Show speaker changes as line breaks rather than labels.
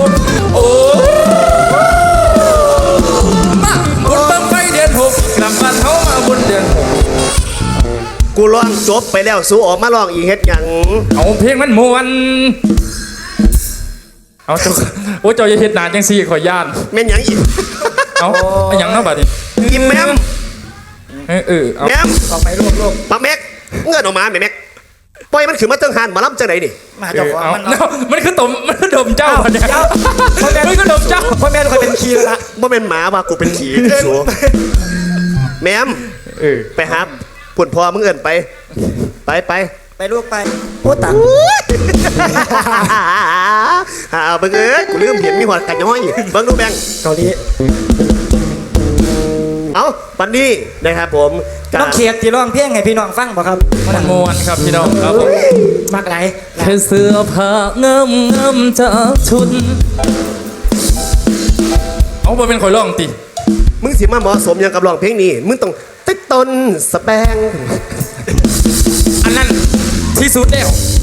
โอ้มาบุญบังไฟเดือนหกกลับบ้านเฮามาบุญเดือนหก
กูร้องจบไปแล้วสู้ออกมาร้องอีกเฮ็ดหยัง
เอาเพลงมันมวนเอาเจ้าโอ้เจ้าอย่าเฮ็ดหนาจังซี่ขอย่าน
แม่นหยังอีก
เอาเอาหยังเนาะบัดนี้
กินแม่ม
เอา
แม่ม
ออกไปรวบ
ปักแม็กเงินออกมาแม่แม็กปล่อยมันขึ้นมาเติ้งหันมาล้ำจังไหนนี่
มาเจ้าของ
เอา
มัน
เนาะมันคือตมมันคือดมเจ้าบัดเนี่ย
เจ้าพ่อแม่
มันคือดมเจ้า
พ่อแม่เคยเป็นคีย์ละ
บ่เป็นหมาว่ากูเป็นผีสูแม่มไปหาปุ่นพอมึงเอิ้นไปไป
ไปลูกไปโอ้ตัง
เบิ่งเอ้ยกูลืมเห็นมีหัวกัดย้อยเบิ่งดูแบง
เกาหลี
เอาปันนี้นะครับผมกา
น้องเขียดที่ร้องเพลงให้พี่น้องฟังบ่ครับ
มันมวนครับพี่น้องครับผม
มากไหลาย
แค่เสื้อผ้าเงิมจากชุดเอาบ่เป็นข่อยร้องติ
มึงสิมาเหมาะสมอย่างกับร้องเพลงนี้มึงต้องติดต้นสแปง
อันนั้นที่สุดแล้ว